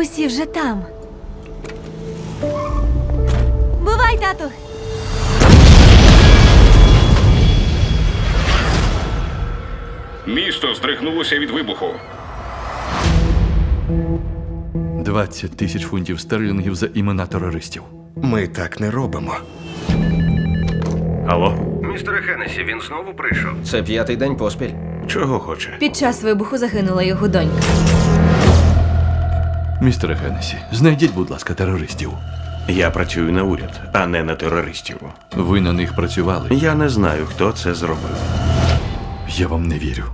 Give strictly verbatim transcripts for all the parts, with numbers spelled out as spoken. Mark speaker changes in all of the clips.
Speaker 1: Усі вже там. Бувай, тату!
Speaker 2: Місто здригнулося від вибуху.
Speaker 3: двадцять тисяч фунтів стерлінгів за імена терористів.
Speaker 4: Ми так не робимо.
Speaker 5: Алло?
Speaker 6: Містере Хеннесі, він знову прийшов.
Speaker 7: Це п'ятий день поспіль.
Speaker 5: Чого хоче?
Speaker 1: Під час вибуху загинула його донька.
Speaker 3: Містере Хеннесі, знайдіть, будь ласка, терористів.
Speaker 5: Я працюю на уряд, а не на терористів.
Speaker 3: Ви на них працювали.
Speaker 5: Я не знаю, хто це зробив.
Speaker 3: Я вам не вірю.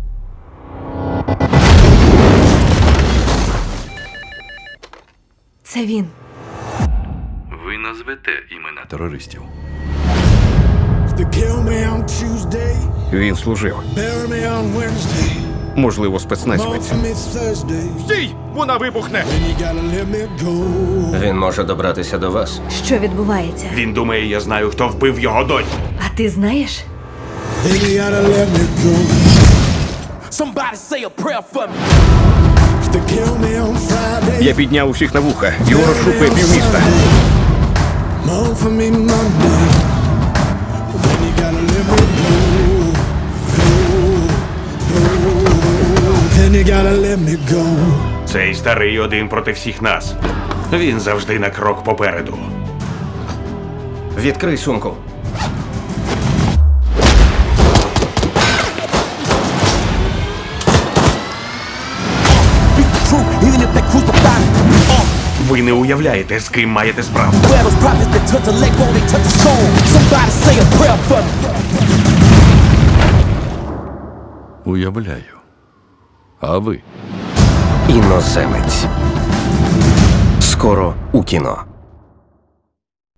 Speaker 1: Це він.
Speaker 3: Ви назвете імена терористів.
Speaker 8: They kill me on Tuesday,
Speaker 6: Він служив.
Speaker 8: bury me on Wednesday,
Speaker 6: Можливо,
Speaker 8: mourn
Speaker 6: спецназівець.
Speaker 8: for me Thursday.
Speaker 5: Стій! Вона вибухне!
Speaker 8: Then you gotta let me go.
Speaker 7: Він може добратися до вас.
Speaker 1: Що відбувається?
Speaker 5: Він думає, я знаю, хто вбив його доньку.
Speaker 1: А ти знаєш?
Speaker 8: Then you gotta let me go.
Speaker 9: Somebody say a prayer for me.
Speaker 8: If they kill me on Friday,
Speaker 6: Я підняв усіх на вуха. Його розшукує півміста.
Speaker 8: mourn for me Monday. Then you gotta let me go. Go, go. Then you gotta let me go.
Speaker 5: Цей старий один проти всіх нас. Він завжди на крок попереду.
Speaker 7: Відкрий сумку.
Speaker 9: Speak the truth, even if they crucify me. Uh,
Speaker 5: Ви не уявляєте, з ким маєте справу.
Speaker 9: where those prophets that touch a leg won't they touch a soul? Somebody say a prayer for me.
Speaker 3: Уявляю. А ви?
Speaker 7: Іноземець. Скоро у кіно.